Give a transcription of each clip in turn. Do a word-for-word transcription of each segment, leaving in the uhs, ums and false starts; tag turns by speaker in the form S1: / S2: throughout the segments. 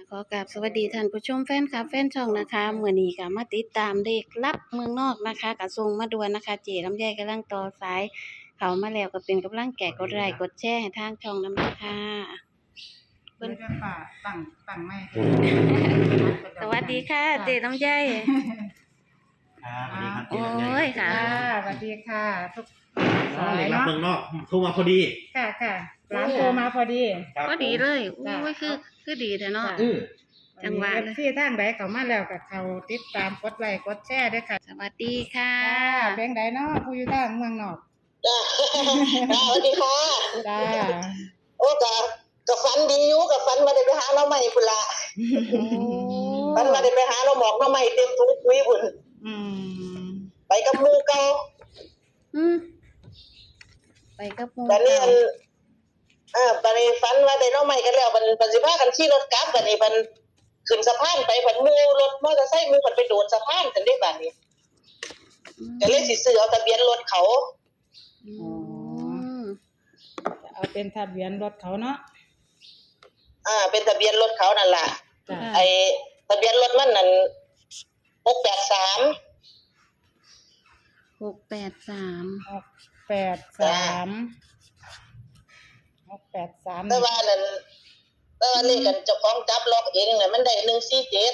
S1: ขอกราบสวัสดีท่านผู้ชมแฟนคลับแฟนช่องนะคะมื้อนี้ก็มาติดตามเลขลับเมืองนอกนะคะก็ส่งมาด่วนนะคะเจลำไยกำลังต่อสายเข้ามาแล้วก็เป็นกำลังแก่กดไลค์กดแชร์ให้ทางช่องนำด้วยค่ะเพิ่น
S2: เดี๋ยวจะป่าตั้งตั้งไม่
S1: สวัสดีค่ะเจลำไย
S3: ครับสวัสดีครับ
S1: โอ้ยค่ะ
S2: ค่ะสวัสดีค่ะทุก
S3: อ๋อเด็กรับเมืองนอกโทรมาพอดี
S2: ค่ะค่ะร้านโทรมาพอดี
S3: ครับ
S1: ก็ดีเลย
S2: จ้ะ
S1: โอ้ยคือคือดีแท้เนาะ
S2: จ้ะ
S3: อือ
S1: จังหวะเลย
S2: ที่ทางใดเขามาแล้วกับเขาติดตามกดไลค์กดแชร์ด้วยค่ะ
S1: สวัสดีค่ะ
S2: ค่ะเพลงใดเนาะผู้อยู่ทางเมืองนอก
S4: จ้าสวัสดีค่ะ
S2: จ้า
S4: โอ้กะกะฝันดีอยู่กะฝันมาได้ไปหาเราใหม่พุ่นละ
S1: โอ้
S4: ฝันมาได้ไปหาเราหมอกเราใหม่เต็มถุงปุ๋ยพุ่น
S2: อืม
S4: ไปกับหมู่เก่า
S1: อืมไปกับหมู่
S4: บัดนี้
S1: เก่า
S4: อันเออบัดนี้ฝันว่าได้เราใหม่กันแล้วบัดบัดสิพากันขี่รถกลับบัดนี้บัดขึ้นสะพานไปบัดหมู่รถมอเตอร์ไซค์หมู่บัดไปโดดสะพานกันได้บัดนี้ก็เลยสิซื้อเอาทะเบียนรถเขา
S1: อืม
S2: เอาเป็นทะเบียนรถเขาเนาะ
S4: อ่าเป็นทะเบียนรถเขานั่นล่ะ
S2: จ้า
S4: ไอ้ทะเบียนรถมันนั่นหกแปดสาม
S1: หกแปดสาม
S2: หกแปดสามหกแปดสาม
S4: แต่ว่านั่นแต่ว่าเลขกันเจ้าของจับล็อกเองน่ะมันได้หนึ่งสี่เจ็ด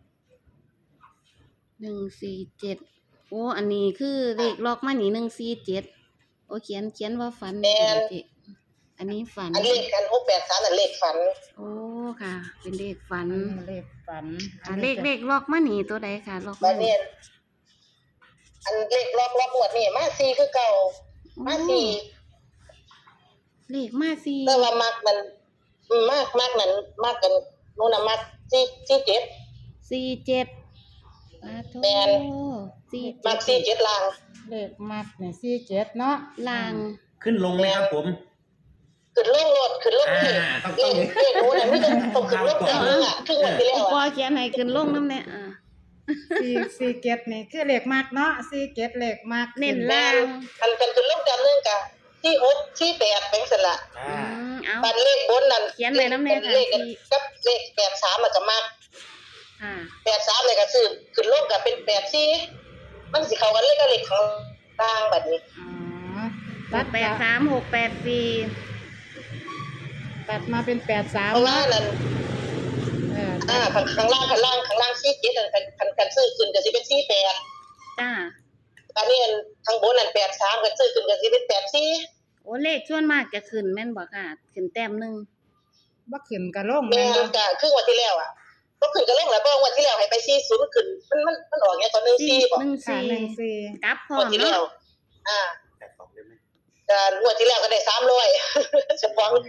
S1: หนึ่งสี่เจ็ดโอ้อันนี้คือเลขล็อกมานี่หนึ่งสี่เจ็ดโอ้เขียนเขียนว่าฝันเจ๊อันนี้ฝัน
S4: อันเลขกันหกแปดสามนั่นเลขฝัน
S1: โอ้ค่ะ เป็นเลขฝัน
S2: เลขฝัน
S1: อ่าเลขเลขล็อกมานี่ตัวใดค่ะล็อก
S4: บั
S1: มา
S4: ดนี้อันเลขล็อกล็อกหมดนี่มาสี่คือเก่ามาสี่
S1: เลขมาสี่
S4: แต่ว่ามักมันมากมากนั้นมากกันนู่นน่ะมักสี่สี่เจ็ด
S1: สี่เจ็ดอ่าโท
S4: แม่น
S1: สี่
S4: มักสี่เจ็ดลาง
S2: เลขมักเนี่ยสี่เจ็ดเนาะ
S1: ลาง
S3: ขึ้นลงไหมครับผม
S4: ขึ้นลงรถขึ้นลงนี่
S3: อ่าต้อง
S4: เล
S3: ต้อง
S4: ขเลขนู้นน่ะไม่ต้องต้องขึ้นลงแต่นึงอ่ะครึ่งวันที่แล้ว
S1: พอ
S4: อ่ะ
S1: เขียนให้ขึ้นลงน้ำเนี่ยอ่า
S2: สี่สี่เจ็ดนี่คือเลขมักเนาะสี่เจ็ดเลขมัก
S1: เน้น
S4: แม่
S1: ล่าง
S4: นคันกันขึ้นลงแต่นึงกะที่หกที่แปดเป็นซั่นล่ะ
S3: อ่า
S1: อืมเอา
S4: บันเลขบนนั่น
S1: เขียนไว้นำแน่ค่ะ
S4: เลขกับเลขแปดสามมันก็มัก
S1: ค่ะ
S4: แปดสามเลยก็ซื้อขึ้นลงก็เป็นแปดสี่มันสิเข้ากันเลยกับเลขของต่างบัดนี้
S2: อ๋อ
S1: ห
S2: ตัด
S1: กแปดสามหกแปดสี่
S2: ตัดมาเป็นแปดสาม
S4: เพราะว่านั่น
S2: เออ
S4: อ่าข้างข้างล่างข้างล่างข้างล่างสี่เจ็ดนั่นคันคันคันซื้อขึ้นก็สิเป็นสี่แปด
S1: จ้า
S4: อันนี้อันข้างบนนั่นแปดสามก็ซื้อขึ้นก็สิเป็นแปดสี่
S1: โอ้เลขส่วนมากจะขึ้นแม่นบ่ค่ะ ขึ้นแต้มหนึ่ง
S2: บ่ขึ้นกระลง
S4: แม่
S2: แม่น
S4: น
S2: บ่
S4: ก็ครึ่งวันที่แล้วอ่ะก็ขึ้นก็ลงแล้วเพราะงวันที่แล้วให้ไปสี่ศูนย์ขึ้นมันมันมันออกเนี่ยตอนหนึ่งสี่บ่
S1: หนึ่ง
S2: ค่ะ
S1: สี่
S2: หนึ่งสี่
S1: กลับพร้อง ม
S4: วดที่แล้
S1: เนาะ
S4: วอ่า
S3: แปดสองได้ไหม
S4: ก็งวดที่แล้วก็ได้สามร้อย เฉพาะ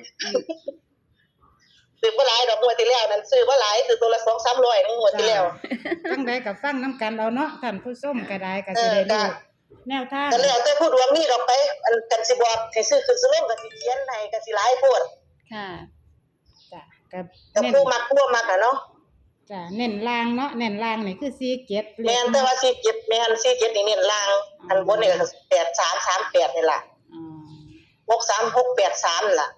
S4: ซื้อบ่หลายดอกงวดที่แล้วนั้นซื้อบ่หลายซื้อตัวละสองสามร้อยงวดที่แล้ว
S2: ตั้งใดกับฟังน้ำกันเอาเนาะท่านผู้ชมก็ได้ก็สิได้
S4: เออ
S2: รู้
S4: จ้ะ
S2: แนวทาง
S4: ก็แล้วแต่ผู้ดวงนี่ดอกไปอันกันสิบอกให้ซื้อขึ้นซื้อลงก็สิเขียนให้ก็สิหลายโพด
S1: ค่ะ
S2: จ้ะกับ
S4: ก็
S2: เน้น
S4: ผู้มักผู้บ่มักอ่ะเนาะ
S2: จ้ะเน้นล่างเนาะเน้นล่างนี่คือสี่เจ็ดเล
S4: แม่
S2: ข
S4: นแต่ว่าสี่เจ็ดแม่นสี่เจ็ดนี่เน้นล่าง อันบนนี่ก็แปดสาม สามแปดนี่ล่ะ
S2: อ๋อ
S4: หกสาม หกแปดสามนี่ล่ะ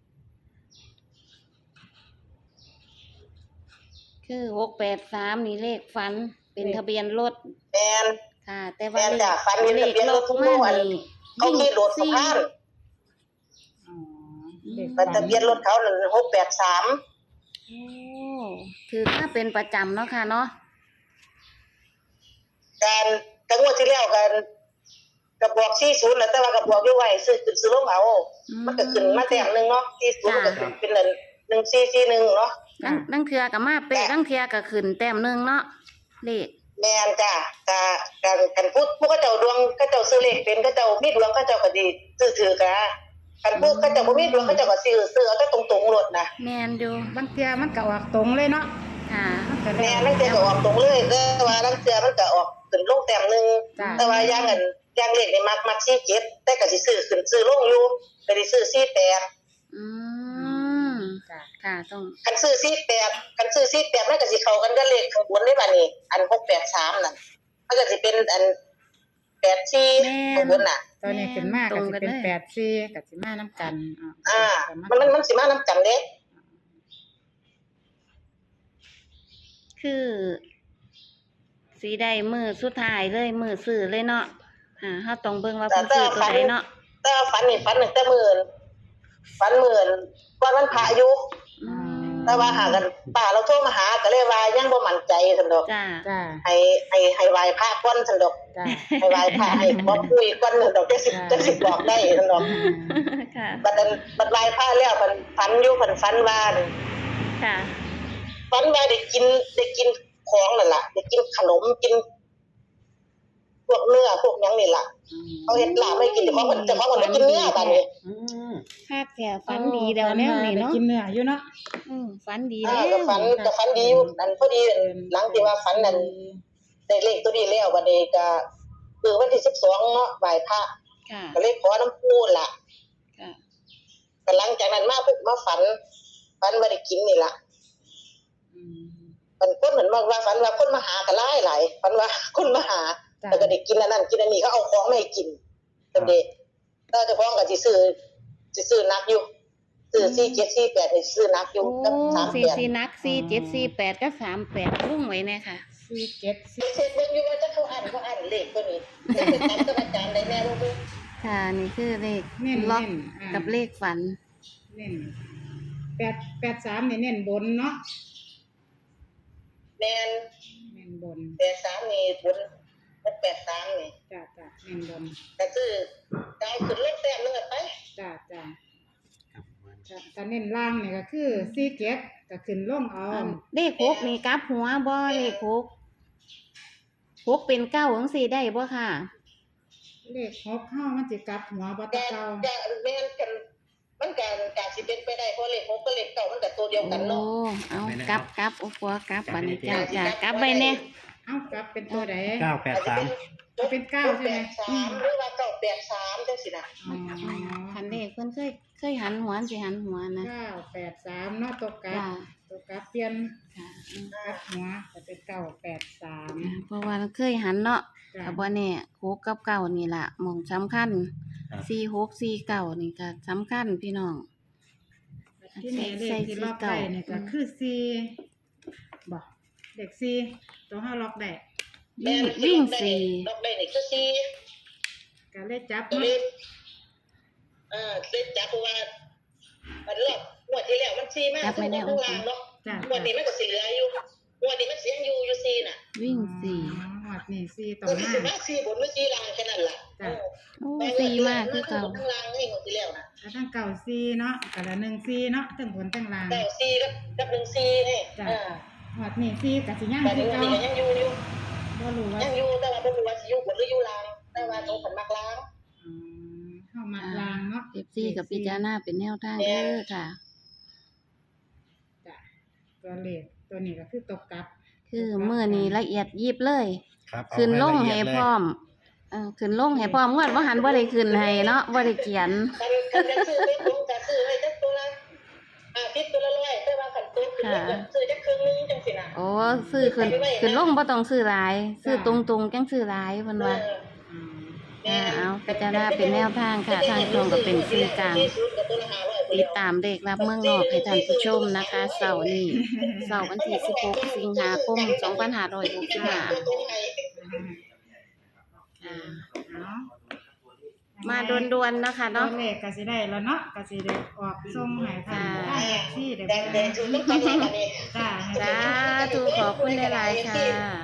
S1: คือหกแปดสามนี่เลขฝันเป็นทะเบียนรถ
S4: แม่น
S1: ค่ะ แต่ว่า
S4: แม่น
S1: เล
S4: จ้ะ
S1: ข
S4: ฝันเห็น
S1: เล
S4: ทะ
S1: ข
S4: เบียน
S1: ล็
S4: ร
S1: อ
S4: ถ
S1: ก
S4: ทุก
S1: มา
S4: วัน
S1: นี่
S4: เขาขี่รถสะพาน
S2: อ๋อเลข
S4: มันทะเบียนรถเขานั่นหกแปดสาม
S1: โอ้คือถ้าเป็นประจำเนาะค่ะเนาะ
S4: การกันงวดที่แล้วกันกระบอกสี่ศูนย์แล้วแต่ว่ากระบอกอยู่ไว้ซื้อขึ้นซื้อลงเอา มันก็ขึ้นมาแต้มหนึงเนาะสี่ศูนย์มันก็ขึ้นเป็นนั่นหนึ่งสี่สี่หนึ่งเนาะ
S1: ดังดังเทือกับมาเป๊ะดังเทือกับขึ้นแต้มหนึ่งเนาะเลข
S4: แม่นจ้ะกะกันกันพูดผู้เขาเจ้าดวงเขาเจ้าซื้อเลขเป็นเขาเจ้ามีดวงเขาเจ้าก็ดีซื้อถือกะกันผู้เขาเจ้าบ่มีดวงเขาเจ้าก็ซื้อซื้อเอาแต่ตรงๆรถนะ
S1: แมนอยู่
S2: บางเทียมันก็ออกตรงเลยเนาะ
S1: ค่ะ
S2: มันก็
S4: แม่
S2: แล้ว
S4: นั่นเทื่อก็ออกตรงเลยแต่ว่านั่นเทื่อมันก็ออกขึ้นลงแต้มหนึง
S2: จ้ะ
S4: แต่ว่าอย่างนั้นอย่างเลขนี่มักมักสี่เจ็ดแต่ก็สิซื้อขึ้นซื้อลงอยู่ก็สิซื้อสี่แปด
S1: อืม
S2: จ้ะ
S1: ค่ะต้อง
S4: คันซื้อสี่แปดคันซื้อสี่แปดมันก็สิเข้ากันกับเลขข้างบนได้บัดนี้อันหกแปดสามนั่นมันก็สิเป็นอันแปดสี่ข้างบนน่ะ
S2: ตอนนี้ขึ้นมากก็สิเป็นแปดสี่ก็สิมาน้ำกัน
S4: อ่า มันมันมันสิมานํกันเด้
S1: คือสีได้มือสุดท้ายเลยมือซื้อเลยเนาะอ่าเฮาต้องเบิ่งว่าเพิ่นซื้อตัวใดเนาะ
S4: แต่ว่าฝันนี่ฝันตั้งแต่หมื่นฝันหมื่นก่อนวันพระอยู่
S1: อืม
S4: แต่ว่าหากันป้าเราโทรมาหาก็เลยว่ายังบ่มั่นใจซั่นดอก
S1: จ้า
S2: จ้า
S4: ให้ให้ให้ไหว้พระก่อนซั่นดอก
S2: จ้า
S4: ให้ไหว้พระให้บ่คุยก่อนซั่นดอกจังสิจังสิบอกได้ซั่นดอก
S1: ค่ะ
S4: บัดนั้นบัดไหว้พระแล้วเพิ่นฝันอยู่เพิ่นฝันว่า
S1: ค่ะ
S4: ฝันว่าได้กินได้กินของนั่นล่ะได้กินขนมกินพวกเนื้อพวกหยังนี่ล่ะเขาเฮ็ดลาบให้กินแต่ของเพิ่นแต่ของเพิ่นบ่กินเนื้อบัดนี้
S3: อืม
S1: คาดแถวฝันดีแล้วแนวนี้เนาะ
S2: กินเนื้ออยู่เนาะ
S1: อืมฝันดี
S4: อ่า
S1: แล้ว
S4: ก็ฝันก็ฝันดีอยู่อันพอดีหลังที่ว่าฝันนั้นได้เลขตัวนี้แล้วบัดนี้ก็คือวันที่สิบสองเนาะไหว้พระ
S1: ค่ะ
S4: ก็เลยขอน้ำปูล่ะ
S1: ค่ะ
S4: ก็หลังจากนั้นมาปุ๊บมาฝันฝันว่าได้กินนี่ล่ะ
S2: อืม
S4: มันคนเหมือนว่าว่าฝันว่าคนมาหากันหลายหลายฝันว่าคนมาหา
S2: จ้ะ
S4: แล้วก็ได้กินอันนั้นกินอันนี้เขาเอาของมาให้กินเป็นเด็กถ้าเจ้าของก็สิซื้อสิซื้อนักอยู่ซื้อสี่เจ็ดสี่แปดให้ซื้อนักอยู่
S1: โอ้
S4: กับสาม
S1: สี่
S4: แปด
S1: สี่นักสี่เจ็ดสี่แปดก็สามแปดรุ่งไว้แน่ค่ะ
S2: สี่เจ็ดสี่
S4: เช็คเบิ่งอยู่ว่าจะเขาอ่านเขาอ่านเลขตัวนี้จะเป็นตามกับอาจารย์ได้แน่บ่รู้
S1: ค่ะนี่คือเลข
S2: เน้น
S1: ล็อก
S2: เน้นอ่า
S1: กับเลขฝัน
S2: เน้นแปดแปดสามนี่เน้นบนเนาะ
S4: แม่น
S2: เน้นบน
S4: แปดสามนี่บนกับแปดสามนี่
S2: จ้าจ้าเน้นบน
S4: ก็คือดาวขึ้นเลขแต้มนึงอะไป
S2: จ้าจ้า
S3: ครับ
S2: จ้าถ้าเน้นล่างนี่ก็คือสี่เจ็ดก็ขึ้นลงเอา
S1: อันเลขหกนี่กลับหัวบ่เลขหกหกเป็นเก้าจังสี่ได้บ่ค่ะ
S2: เลขหกเข้ามันจะกลับหัวบัต
S4: แต่
S2: เก่า
S4: จะแม่นกันมันการการสิเป็นไปได้เพราะเลขหกกับเลขเก้ามันก็ตัวเดียวกัน
S1: โอ้
S4: เนาะ
S1: เอากลับกลับโอ้ปัวกลับบัดนี้จ้าจ้ากลับไปแน่
S2: เอ้ากลับเป็นตัวไหน
S3: เก้าแปดสาม
S2: จะเป็นเก้าใช่ไหม
S4: แปดสามหรือว่าเก้าแปดสามจังสินะ
S2: อ๋อ
S1: คันเลขเพิ่นเคยเคยหันหัวสิหันหัวนะ
S2: เก้าแปดสามเนาะตัวกลับ
S1: จ้า
S2: ตัวกลับเปลี่ยน
S1: ค่ะ
S2: กลับหัวจะเป็นเก้าแปดสาม
S1: อ่าเพราะว่าเคยหันเนาะ
S2: จ้า
S1: ก็บ่แน่หกกับเก้านี่ล่ะหม่องสำคัญสี่หกสี่เก้านี่ก็สำคัญพี่น้อง
S2: ที่นี่เลขที่ล็อกได้เนี่ยก็คือสี่บ่เลขสี่ตัวห้าล็อกได้
S1: วิ่งวิ่งสี่
S4: ดอกได้นี่คือสี่
S2: ก็เลขจับ
S4: ตัว
S2: เนาะ
S4: เลขอ่าเลขจับเพราะว่ามันรอบงวดที่แล้วมันสี่มากทั้งบนทั้งล่างเนาะ
S2: จ้าง
S4: วดนี้มันก็สิเหลืออยู่งวดนี้มันเสียงอยู่อยู่สี่น่ะ
S1: วิ่งสี่
S2: อ๋อหวัดนี่สี่ต่อ
S4: ตัว
S2: ห
S4: ที่
S2: น้า
S4: สิมาสี่บนหรือสี่ล่างแค่นั้นล่ะ
S2: จ้ะ
S1: โอ้สี่มากคือเก่า
S4: ทั้งล่างนี่งวดที่แล้วน่ะ
S2: ก็ทั้งเก่าสี่เนาะก็ละหนึ่งสี่เนาะทั้งบนทั้งล่าง
S4: เก้าสี่กับกับหนึ่งสี่นี่
S2: จ้ะ
S4: อ่า
S2: หวัดนี่สี่กับสิย่าง
S4: แต่
S2: คือ
S4: นี้
S2: เก่า
S4: ก็ยังอยู่อยู่
S2: บ่รู้ว่า
S4: ยังอยู่แต่ว่าบ่รู้ว่าสิอยู่บนหรืออยู่ล่างแต่ว่าตรงขันมักล่าง
S2: อืมเข้ามาล่างเนาะ
S1: เอฟซีกับพิจารณาเป็นแนวทางเด้อค่ะ
S2: จ้ะตัวเลขตัวนี้ก็คือตกกลับ
S1: คือเมื่อนี้ละเอียดยิบเลย
S3: ครับเอา
S1: ขึ้นลงให้
S3: ละเอียดเลย
S1: พร้อมเออขึ้นลงให้พร้อมงวดบ่หันบ่ได้ขึ้นให้เนาะบ่ได้เขียน
S4: คันคันจะซื้อไปผมจะซื้อไว้จักตัวละอ่าทิศตัวละร้อยแต่ว่าคันตัวขึ้นก็ซื้อจักครึ่งนึงจังซี่น่ะ
S1: โอ้ซื้อขึ้นขึ้นลงบ่ต้องซื้อหลาย ซื้อตรงๆจังซื้อหลายเพิ่นว่า
S2: อืม
S1: อ่าเอาพิจารณาเป็นแนวทางค่ะทางตรงก็เป็นสื่อกลาง ติดตามเลขรับเมืองนอกให้ท่านผู้ชมนะคะเสาร์นี้เสาร์วันที่สิบหกสิงหาคมสองพันห้าร้อยหกสิบห้าอ่า
S2: เนาะ
S1: มาด่วนๆนะคะ
S2: ตัว
S1: เนาะ
S2: เลขก็สิได้แล้วเนาะก็สิได้ออกส่งให้ทางทางแท็กซี่ได้
S4: แด
S2: เบิ่
S4: ง
S2: ง
S4: แดงชุดต้องต้องนี้
S2: จ้าให้
S1: สาธุขอบคุณหลายๆค่ะ